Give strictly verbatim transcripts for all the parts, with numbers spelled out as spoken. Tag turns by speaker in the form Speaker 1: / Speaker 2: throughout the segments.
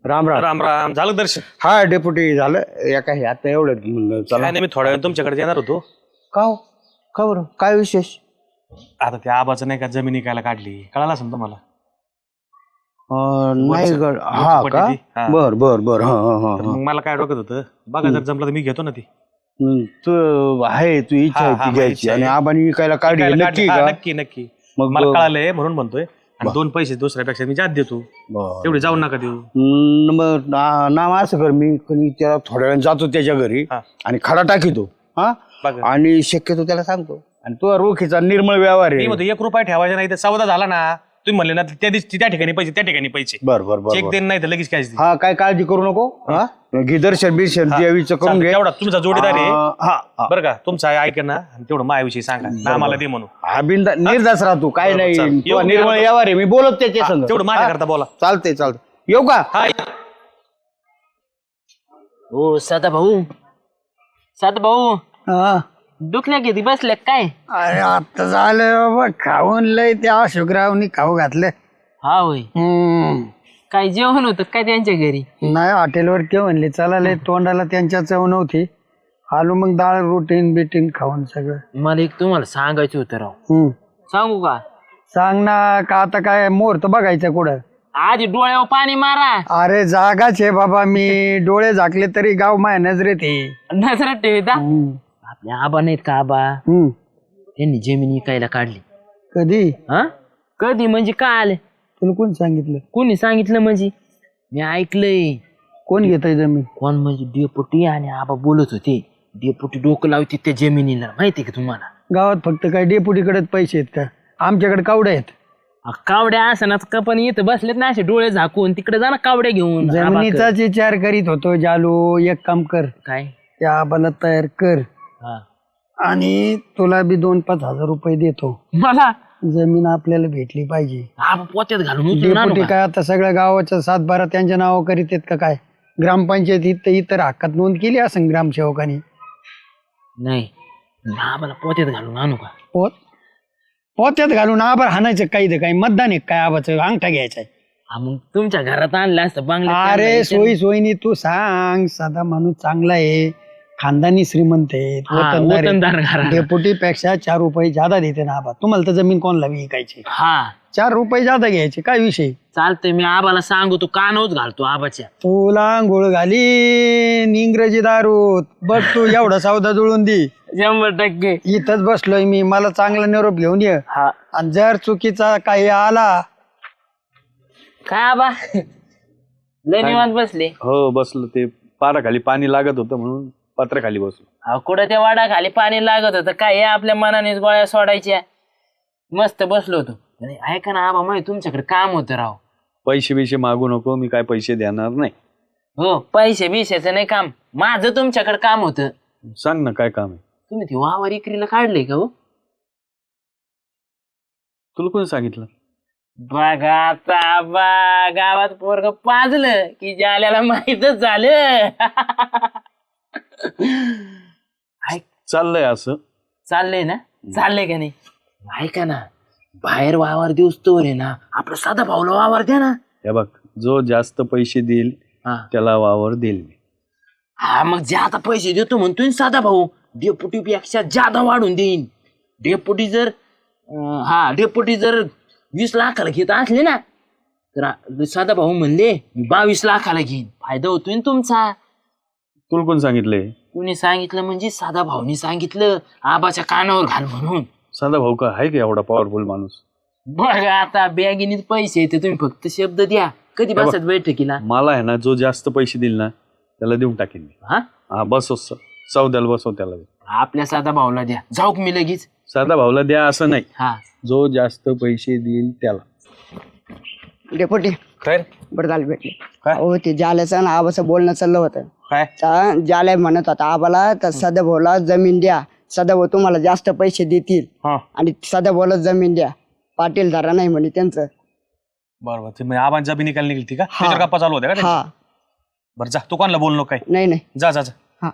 Speaker 1: राम राम
Speaker 2: राम राम. झालं दर्शन?
Speaker 1: हा डेप्युटी झालं एका हे आता एवढं म्हणलं चला.
Speaker 2: काय नाही, मी थोड्या वेळ तुमच्याकडे येणार होतो.
Speaker 1: का हो? का बरं काय विशेष?
Speaker 2: आता त्या आबाचं नाही का जमीन विकायला काढली, कळालं असेल तुम्हाला?
Speaker 1: अं, नाही
Speaker 2: वरचं-
Speaker 1: गड हा
Speaker 2: वरचं
Speaker 1: का
Speaker 2: पट्टी ती. हा.
Speaker 1: बर बर बर हा हा
Speaker 2: तर
Speaker 1: हा
Speaker 2: मग मला काय डोक्यात होतं, बघा जर जमलं तर मी घेतो ना ती.
Speaker 1: हम्म, तू आहे तू इच्छा
Speaker 2: हा,
Speaker 1: आहे
Speaker 2: हा,
Speaker 1: ती
Speaker 2: माझी
Speaker 1: घ्यायची
Speaker 2: इच्छा
Speaker 1: आणि
Speaker 2: आहे.
Speaker 1: आबानी विकायला काढली
Speaker 2: विकायला
Speaker 1: नक्की
Speaker 2: काढली. हा,
Speaker 1: का?
Speaker 2: नक्की नक्की.
Speaker 1: मग
Speaker 2: मला कळालंय म्हणून म्हणतोय. आणि दोन पैसे दुसऱ्यापेक्षा मी जात देतो,
Speaker 1: बरं.
Speaker 2: एवढे जाऊ नका देऊ.
Speaker 1: हम्म, मग ना- नाम असं कर मी कधी त्याला थोड्या वेळ जातो त्याच्या घरी
Speaker 2: हा.
Speaker 1: आणि खडा टाकीतो हा
Speaker 2: बघा.
Speaker 1: आणि शक्यतो त्याला सांगतो आणि तो रोखीचा निर्मळ व्यवहार
Speaker 2: मी
Speaker 1: आहे.
Speaker 2: म्हणतो एक रुपया ठेवायचा नाही तर सौदा झाला ना, तुम्ही म्हणले ना त्या दिवशी त्या ठिकाणी पैसे त्या ठिकाणी पैसे
Speaker 1: बर बर बर
Speaker 2: चेक
Speaker 1: बर.
Speaker 2: देणं नाही तर लगेच कॅश दे.
Speaker 1: हा काय काळजी करू नको हा घे दर्शन बिर्शन देवीचं करून घे.
Speaker 2: तेवढा तुमचा जोडीदार आहे
Speaker 1: अं, हा हा.
Speaker 2: बरं का, तुमचा आहे ऐका ना, आणि तेवढं मायाविषयी सांगा ना मला दे म्हणून.
Speaker 1: हा बिंदा निर्धास राहतो काय
Speaker 2: बरोबर,
Speaker 1: नाही
Speaker 2: चालेल.
Speaker 1: तो
Speaker 2: येऊ,
Speaker 1: निर्मळ
Speaker 2: येऊ.
Speaker 1: व्यवहार आहे मी बोलत त्याच्या संग
Speaker 2: तेवढं माझ्या करता बोला.
Speaker 1: चालते चालते येऊ का?
Speaker 2: हा
Speaker 3: हो सदा भाऊ सदा भाऊ
Speaker 1: हा.
Speaker 3: दुखल्या किती बसल्या काय?
Speaker 1: अरे आता झालं बाबा खाऊन लय त्या अशोकरावनी खाऊ घातलं.
Speaker 3: हा होय.
Speaker 1: हम्म.
Speaker 3: काय जेवण होतं काय त्यांच्या घरी?
Speaker 1: नाही हॉटेलवर ते म्हणले चला लय तोंडाला त्यांच्या चव नव्हती आलो मग डाळ रोटीन बिटीन खाऊन सगळं.
Speaker 3: मला एक तुम्हाला सांगायचं होतं राव.
Speaker 1: हम्म.
Speaker 3: सांगू का?
Speaker 1: सांग ना का आता काय मुहूर्त बघायचं कुठं?
Speaker 3: आधी डोळ्यावर पाणी मारा.
Speaker 1: अरे जागाच आहे बाबा मी डोळे झाकले तरी गाव माया नजरेत आहे.
Speaker 3: नजरात ठेवता.
Speaker 1: हम्म.
Speaker 3: आपल्या आबा नाहीत का आबा,
Speaker 1: हम्म.
Speaker 3: त्यांनी जमीन विकायला काढली.
Speaker 1: कधी?
Speaker 3: हा कधी म्हणजे काय आले?
Speaker 1: तुला कोण सांगितलं?
Speaker 3: कोणी सांगितलं म्हणजे? मी ऐकलंय.
Speaker 1: कोण घेतय जमीन?
Speaker 3: कोण म्हणजे डेपुटी आणि आबा बोलत होते. डेपुटी डोकं लावते त्या जमिनीला, माहितीये का तुम्हाला?
Speaker 1: गावात फक्त काय डेपुटीकडेच पैसे आहेत का? आमच्याकडे कावडे आहेत.
Speaker 3: अ, कावड्या असणार का, पण इथं बसलेत ना असे डोळे झाकून, तिकडे जा ना कावड्या घेऊन.
Speaker 1: जमिनीचाच विचार करीत होतो जालू एक काम कर
Speaker 3: काय?
Speaker 1: त्या आबाला तयार कर
Speaker 3: हा.
Speaker 1: आणि तुला बी दोन पाच हजार रुपये देतो.
Speaker 3: मला
Speaker 1: जमीन आपल्याला भेटली पाहिजे.
Speaker 3: आबा पोत्यात घालून उचलून आणू
Speaker 1: डेपुटी
Speaker 3: का?
Speaker 1: काय आता सगळ्या गावाच्या सातबारा त्यांच्या नावावर करीत आहेत का काय? ग्रामपंचायत इथं इतर हक्कात नोंद केली असं ग्रामसेवकांनी.
Speaker 3: नाही, आबाला पोत्यात घालून आणू का?
Speaker 1: पोत पोत्यात घालून आभार हाणायचं काही तर काही मतदान आहे काय आबाचं अंगठा घ्यायचा आहे.
Speaker 3: हा, मग तुमच्या घरात आणलं असतं बांगल्यात.
Speaker 1: अरे सोयी सोयीनी तू सांग साधा माणूस चांगला आहे खानदानी श्रीमंत आहे
Speaker 3: हा, वतनदार घराणं.
Speaker 1: डेपुटी पेक्षा चार रुपये जादा देते ना आबा. तुम्हाला तर जमीन कोणाला विकायची?
Speaker 3: हा
Speaker 1: चार रुपये जादा घ्यायचे काय विषय?
Speaker 3: चालतंय, मी आबाला सांगू, तू कानच घालतो आबाच्या.
Speaker 1: तुला आंघोळ घाली इंग्रजी दारूत बघ तू एवढा सौदा जुळून दे.
Speaker 3: शंभर टक्के.
Speaker 1: इथंच बसलोय मी मला चांगला निरोप घेऊन ये.
Speaker 3: हा.
Speaker 1: आणि जर चुकीचा काही आला
Speaker 3: काय आबा लय निवांत बसले?
Speaker 4: हो बसलो, ते पाराखाली पाणी लागत होतं म्हणून पत्र्याखाली बसलो.
Speaker 3: अहो, कुठं त्या वाडाखाली पाणी लागत होतं काय? हे आपल्या मनानेच गोळ्या सोडायच्या. मस्त बसलो होतो. अरे, ऐका ना आबा, माहिती तुमच्याकडे काम होतं राव.
Speaker 4: पैसे बिशे मागू नको, मी काय पैसे देणार नाही.
Speaker 3: हो, पैसे बिशाचं नाही काम, माझं तुमच्याकडे काम होतं.
Speaker 4: सांग ना काय काम आहे.
Speaker 3: तुम्ही ती वावर इकरीला काढले का? हो,
Speaker 4: तुला कोणी सांगितलं?
Speaker 3: बघा आता आबा, गावात पोरग पाजलं की जाल्याला माहीतच झालं.
Speaker 4: चाललंय असं.
Speaker 3: चाललंय ना? चाललंय का नाही? ऐका ना, बाहेर वावर दिवस तोवर आहे ना, आपलं साधा भाऊला वावर द्या ना.
Speaker 4: हे बघ, जो जास्त पैसे देईल
Speaker 3: हा.
Speaker 4: त्याला वावर देईल मी.
Speaker 3: हा, मग जे आता पैसे देतो म्हणतोय ना साधा भाऊ, डेपुटी पेक्षा जादा वाढून देईन. डेपुटी जर अं, हा डेपुटी जर वीस लाखाला घेत असले ना, तर आ- साधा भाऊ म्हणले मी बावीस लाखाला घेईन. फायदा होतोय ना तुमचा.
Speaker 4: तुला कोण सांगितलंय?
Speaker 3: कुणी सांगितलं म्हणजे साधा भाऊनी सांगितलं, आबाच्या कानावर घाल म्हणून.
Speaker 4: साधा भाऊ का आहे का एवढा पॉवरफुल माणूस?
Speaker 3: बघा आता बॅगीनीत पैसे येते, तुम्ही फक्त शब्द द्या. कधी बसत बैठकीला?
Speaker 4: मला आहे ना, जो जास्त पैसे देईल ना त्याला देऊन टाकेन मी.
Speaker 3: हा,
Speaker 4: हा बसव, चौद्याला बसव त्याला.
Speaker 3: आपल्या साधा भाऊला द्या. जाऊ का मी लगेच?
Speaker 4: साधा भाऊला द्या असं नाही,
Speaker 3: हा.
Speaker 4: जो जास्त पैसे देईल त्याला.
Speaker 1: डेपुटी
Speaker 2: खैर
Speaker 1: बरं झालं भेटले.
Speaker 2: काय?
Speaker 1: हो ते जाल्याचं ना आबाचं बोलणं चाललं होतं.
Speaker 2: काय?
Speaker 1: त्या जाल्या म्हणत होता आबाला तर सदाभाऊला जमीन द्या. सदाभाऊ तुम्हाला जास्त पैसे देतील
Speaker 2: हा
Speaker 1: आणि सदाभाऊला जमीन द्या. पाटील धारा नाही म्हणे त्यांचं.
Speaker 2: बरोबर. ते म्हणजे आबांची जमीन निकाल निघली का? त्याच्यावर गप्पा चालू होत्या का
Speaker 1: हा
Speaker 2: त्यांच्या? बरं जा, तू कोणाला बोल नको काय.
Speaker 1: नाही नाही
Speaker 2: जा जा जा.
Speaker 1: हा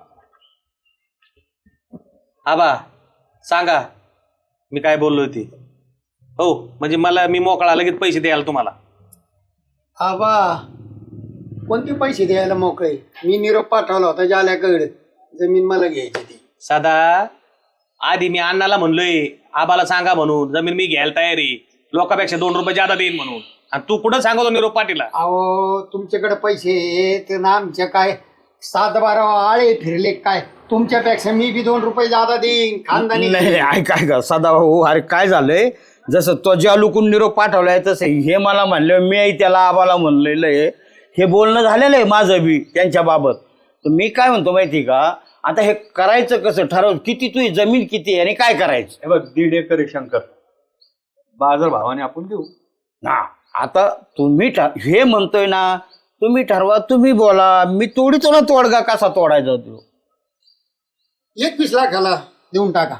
Speaker 2: आबा सांगा मी काय बोललो होती. हो म्हणजे मला मी मोकळा लगेच पैसे द्यायला तुम्हाला.
Speaker 1: आबा कोणते पैसे द्यायला मोकळे? मी निरोप पाठवला होता जाल्याकडे, जमीन मला घ्यायची ती.
Speaker 2: सदा आधी मी अण्णाला म्हणलोय आबाला सांगा म्हणून जमीन मी घ्यायला तयार आहे, लोकांपेक्षा दोन रुपये जादा देईन म्हणून, आणि तू कुठं सांगतो निरोप पाटीलला?
Speaker 1: अहो तुमच्याकडे पैसे आहेत ना, आमच्या काय सात बारा आळे फिरले काय? तुमच्यापेक्षा मी बी दोन रुपये जादा देईन खानदानी.
Speaker 5: नाही नाही, ऐक ऐक सदा भाऊ, अरे काय झालंय, जसं तो ज्या लुकून निरोप पाठवलाय तसं हे मला म्हणलं, मी त्याला आबाला म्हणलेलं आहे, हे बोलणं झालेलं आहे माझं बी त्यांच्या बाबत. तर मी काय म्हणतो माहिती का, आता हे करायचं कसं ठरव, किती तुझी जमीन किती आहे आणि काय करायचं?
Speaker 4: हे बघ दीड एकर आहे शंकर, बाजार भावाने आपण देऊ
Speaker 5: ना. आता तुम्ही ठ- हे म्हणतोय ना, तुम्ही ठरवा, तुम्ही बोला, मी तोडीतो ना तोडगा कसा तोडायचा तो.
Speaker 1: एकवीस लाखाला देऊन टाका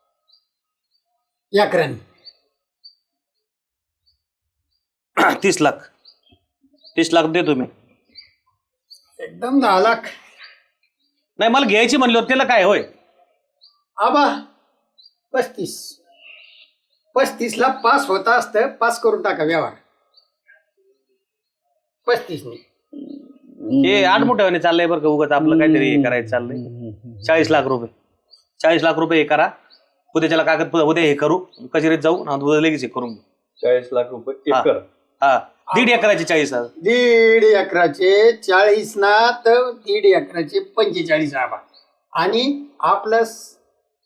Speaker 1: एकराने.
Speaker 2: तीस लाख तीस लाख देतो मी.
Speaker 1: एकदम दहा लाख.
Speaker 2: नाही मला घ्यायची म्हणली होती, त्याला काय होय?
Speaker 1: आबा पस्तीस पस्तीस ला पास होता असतं, पास करून टाका व्यवहार. पस्तीस नाही
Speaker 2: हे आठ मोठ्याने चाललंय बरं का, उगाच आपलं काहीतरी हे करायचं चाललंय. चाळीस लाख रुपये चाळीस लाख रुपये हे करा, उद्या त्याला कागद उद्या हे करू, कचेरीत जाऊ ना, उद्या लगेच हे करून घेऊ.
Speaker 4: चाळीस लाख रुपये
Speaker 2: हा.
Speaker 4: एकर.
Speaker 2: हा दीड एकराची चाळीस हजार.
Speaker 1: दीड एकराचे चाळीस ना, तर दीड एकराचे पंचेचाळीस आबा. आणि आपलं स-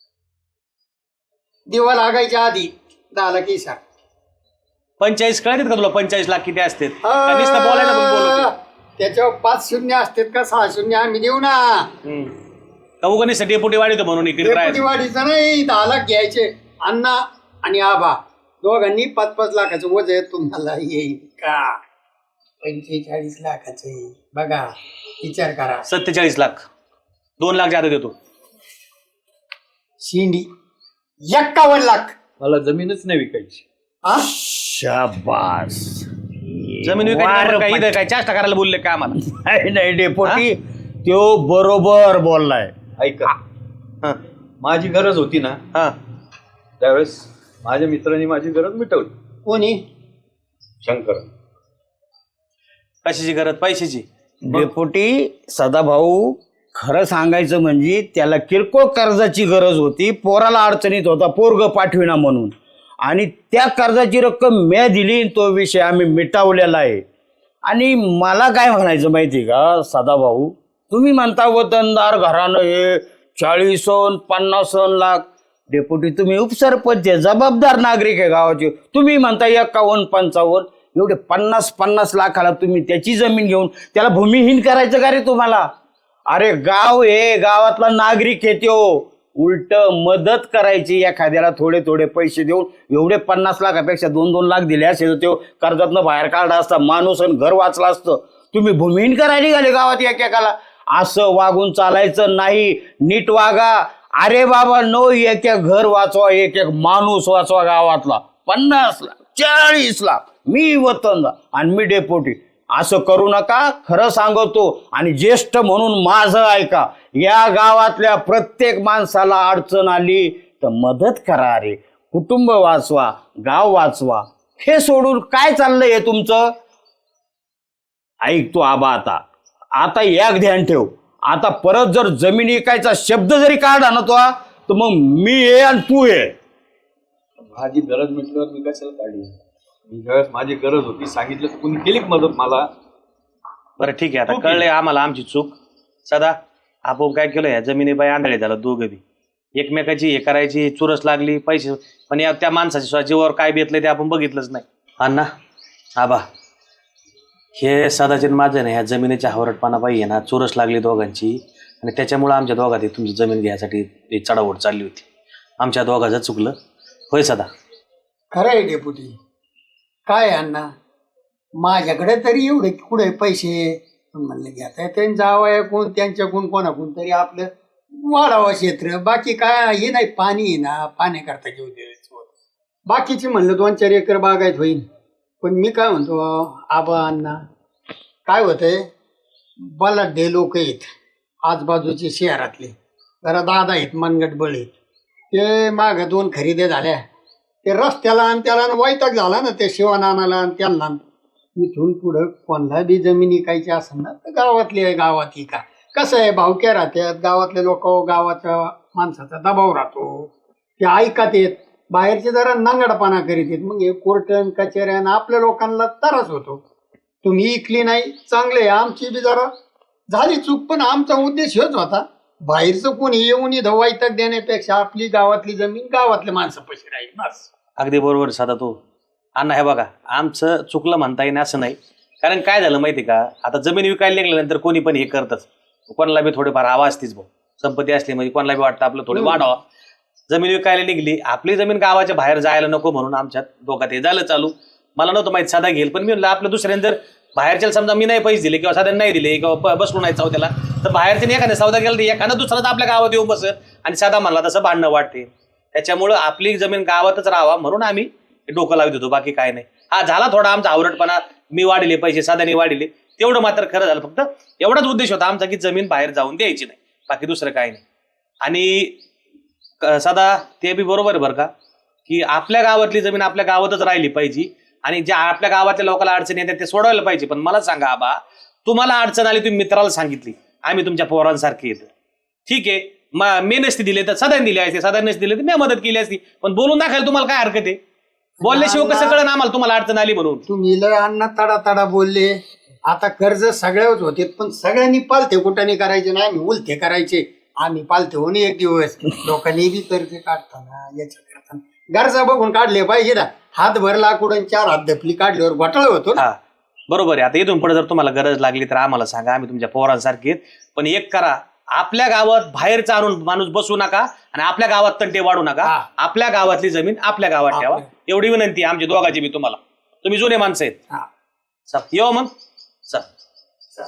Speaker 1: दिवा लागायच्या आधी दहा लाख हिसाब.
Speaker 2: पंचेचाळीस कळतात का तुला? पंचेचाळीस लाख किती असतात? का नुसतं बोलायला पण बोलवतो.
Speaker 1: त्याच्यावर पाच शून्य असतात का सहा शून्य आम्ही देऊ ना.
Speaker 2: हम्म. का उगा नुसतं डेपुटी वाढवतो म्हणून इकडे
Speaker 1: डेपुटी
Speaker 2: राहायचं.
Speaker 1: वाढीचं नाही, दहा लाख घ्यायचे. अण्णा आणि आबा दोघांनी पाच पाच लाखाचं वज आहे, तुम्हाला येईल का? पंचेचाळीस लाखाचे बघा, विचार करा.
Speaker 2: सत्तेचाळीस लाख दोन लाख जादा देतो.
Speaker 1: शिंडी एक्कावन्न लाख.
Speaker 4: मला जमीनच नाही विकायची.
Speaker 1: हा?
Speaker 5: शाबास.
Speaker 2: जमीन विकायची काय इथं काय चाष्टा करायला बोलले का आम्हाला?
Speaker 5: नाही नाही डेपोटी, तो बरोबर बोललाय.
Speaker 4: ऐका,
Speaker 2: हा
Speaker 4: माझी गरज होती ना,
Speaker 2: हा
Speaker 4: त्यावेळेस माझ्या मित्रांनी माझी गरज मिटवली.
Speaker 1: कोणी?
Speaker 4: शंकर.
Speaker 2: कशाची गरज? पैशाची.
Speaker 5: डेपोटी सदाभाऊ, खरं सांगायचं म्हणजे त्याला किरकोळ कर्जाची गरज होती, पोराला अडचणीत होता, पोरग पाठविना म्हणून, आणि त्या कर्जाची रक्कम मी दिली, तो विषय आम्ही मिटावलेला आहे. आणि मला काय म्हणायचं माहिती का सदाभाऊ, तुम्ही म्हणता वतनदार घरानं हे चाळीसन पन्नासन लाख, डेपुटी तुम्ही उपसरपंच आहे, जबाबदार नागरिक आहे गावाचे, तुम्ही म्हणता एक्कावन्न पंचावन्न, एवढे पन्नास पन्नास लाखाला तुम्ही त्याची जमीन घेऊन त्याला भूमिहीन करायचं का रे तुम्हाला? अरे गाव हे, गावातला नागरिक आहे त्यो, उलट मदत करायची एखाद्याला, थोडे थोडे पैसे देऊन. एवढे पन्नास लाखापेक्षा दोन दोन लाख दिले असे तो कर्जातनं बाहेर काढला असता माणूस, आणि घर वाचला असतं. तुम्ही भूमिहीन करायला निघाले गावात एकेकाला. असं वागून चालायचं नाही, नीट वागा. अरे बाबा नो, एक एक घर वाचवा, एक एक माणूस वाचवा गावातला. पन्नास लाख चाळीस लाख मी वतनदार आणि मी डेपोटी, असं करू नका, खरं सांगतो. आणि ज्येष्ठ म्हणून माझं ऐका, या गावातल्या प्रत्येक माणसाला अडचण आली तर मदत करा रे, कुटुंब वाचवा, गाव वाचवा. हे सोडून काय चाललंय हे तुमचं? ऐक तू आबा, आता आता एक ध्यान ठेव, आता परत जर जमीन विकायचा शब्द जरी काढला ना तो, तर मग मी ये आणि तू ये.
Speaker 4: माझी गरज मिटल्यावर मी कशाला काढली? मी ज्यावेळेस माझी गरज होती सांगितलं, कुणी केली का मदत मला?
Speaker 2: बरं ठीक आहे, आता कळलंय आम्हाला आमची चूक. सदा आपण काय केलं, या जमिनी बाई आंधळे झालं दोघं बी, एकमेकाची हे करायची चुरस लागली पैसे, पण या त्या माणसाच्या जीवावर काय बेतलंय ते आपण बघितलंच नाही. अण्णा आबा, हे सदाचे माझं नाही, ह्या जमिनीच्या हवरटपणा पाहिजे ना, चुरस लागली दोघांची, आणि त्याच्यामुळे आमच्या दोघात तुमची जमीन घ्यायसाठी एक चढाओढ चालली होती. आमच्या दोघाचं चुकलं होय सदा?
Speaker 1: खरं आहे डेपुटी. काय अण्णा, माझ्याकडे तरी एवढे कुठे पैसे म्हणले घ्या, त्यांनी जावं कोण, त्यांच्याकडून कोणाकडून तरी आपलं वाढावं क्षेत्र, बाकी काय हे नाही. पाणी आहे ना, पाण्याकरता घेऊ द्यायचं. बाकीची म्हणलं दोन चार एकर बागायत होईल. पण मी काय म्हणतो आबा अण्णा, काय होतंय, बलाढ्य लोक आहेत आजूबाजूचे शहरातले, जरा दादा आहेत मनगट बळे, ते माग दोन खरेदी झाल्या, ते रस्त्याला आणि त्याला वैताग झाला ना, ते शिवानानाला आणि त्यांना. इथून पुढं कोणाला बी जमीन इकायची असेल ना तर गावातली आहे गावात इका. कसं आहे भावक्या राहतात गावातले लोक, गावाच्या माणसाचा दबाव राहतो, ते ऐकत येत, बाहेरचे जरा नांगडपणा करीत येत, मग हे कोर्टन कचेऱ्यान आपल्या लोकांना त्रास होतो. तुम्ही इकली नाही चांगले, आमची बी जरा झाली चूक, पण आमचा उद्देश हेच होता बाहेरचं कोणी येऊन इथं वैताग देण्यापेक्षा आपली गावातली जमीन गावातले माणसं पैसे राहील बस.
Speaker 2: अगदी बरोबर साधा तो अण्णा. हे बघा आमचं चुकलं म्हणता येईल असं नाही, कारण काय झालं माहिती का, आता जमीन विकायला निघाल्यानंतर कोणी पण हे करतच, कोणाला बी थोडेफार आवाज असतीच भाऊ, संपत्ती असली म्हणजे कोणाला बी वाटतं आपलं थोडं वाढावा. जमीन विकायला निघली, आपली जमीन गावाच्या बाहेर जायला नको म्हणून आमच्यात दोघात हे झालं चालू. मला नव्हतं माहिती साधा घेईल, पण मी म्हणलं आपलं दुसऱ्याने जर बाहेरच्या समजा मी नाही पैसे दिले किंवा साध्याने नाही दिले किंवा बसलो नाही चौथ्याला, तर बाहेरच्या एखाद्या सौदा गेला तर एखादा दुसराच आपल्या गावात येऊन बसत आणि साधा म्हणला तसं भांडणं वाटते. त्याच्यामुळं आपली जमीन गावातच राहावा म्हणून आम्ही डोकं लावत होतो, बाकी काय नाही. हा झाला थोडा आमचा आवरटपणा, मी वाढले पैसे साध्याने वाढले, तेवढं मात्र खरं झालं. फक्त एवढाच उद्देश होता आमचा की जमीन बाहेर जाऊन द्यायची नाही, बाकी दुसरं काय नाही. आणि साधा ते बी बरोबर आहे बरं का, की आपल्या गावातली जमीन आपल्या गावातच राहिली पाहिजे आणि ज्या आपल्या गावातल्या लोकांना अडचणी येतात ते सोडवायला पाहिजे. पण मला सांगा आबा, तुम्हाला अडचण आली तुम्ही मित्राला सांगितली, आम्ही तुमच्या पोरांसारखे येतो, ठीक आहे, मग मी नसती दिले तर सदाने दिले असते, सदा नसती दिले तर मी मदत केली असती, पण बोलून दाखवायला तुम्हाला काय हरकत आहे? बोलल्याशिवाय कसं कळलं आम्हाला तुम्हाला अडचण आली म्हणून?
Speaker 1: तुम्ही लय अण्णा तडा तडा बोलले. आता कर्ज सगळ्याच होते, पण सगळ्यांनी पालथे कुठाने करायचे नाही, आम्ही उलथे करायचे. आम्ही पालथे होऊन एक दिवस लोकांनी बी कर्ज काढताना याच्या करताना गरजा बघून काढले पाहिजे ना. हात भरला कुठून चार हात धपली काढल्यावर घोटाळा होतो ना.
Speaker 2: हा बरोबर आहे. आता इथून पुढे जर तुम्हाला गरज लागली तर आम्हाला सांगा, आम्ही तुमच्या पोरांसारखे. पण एक करा, आपल्या गावात बाहेरचा आणून माणूस बसू नका आणि आपल्या गावात तंटे वाढू नका. आपल्या गावातली जमीन आपल्या गावात ठेवा, एवढी विनंती आमची दोघांची मी तुम्हाला. तुम्ही जुने माणसं आहेत. येऊ मग सर.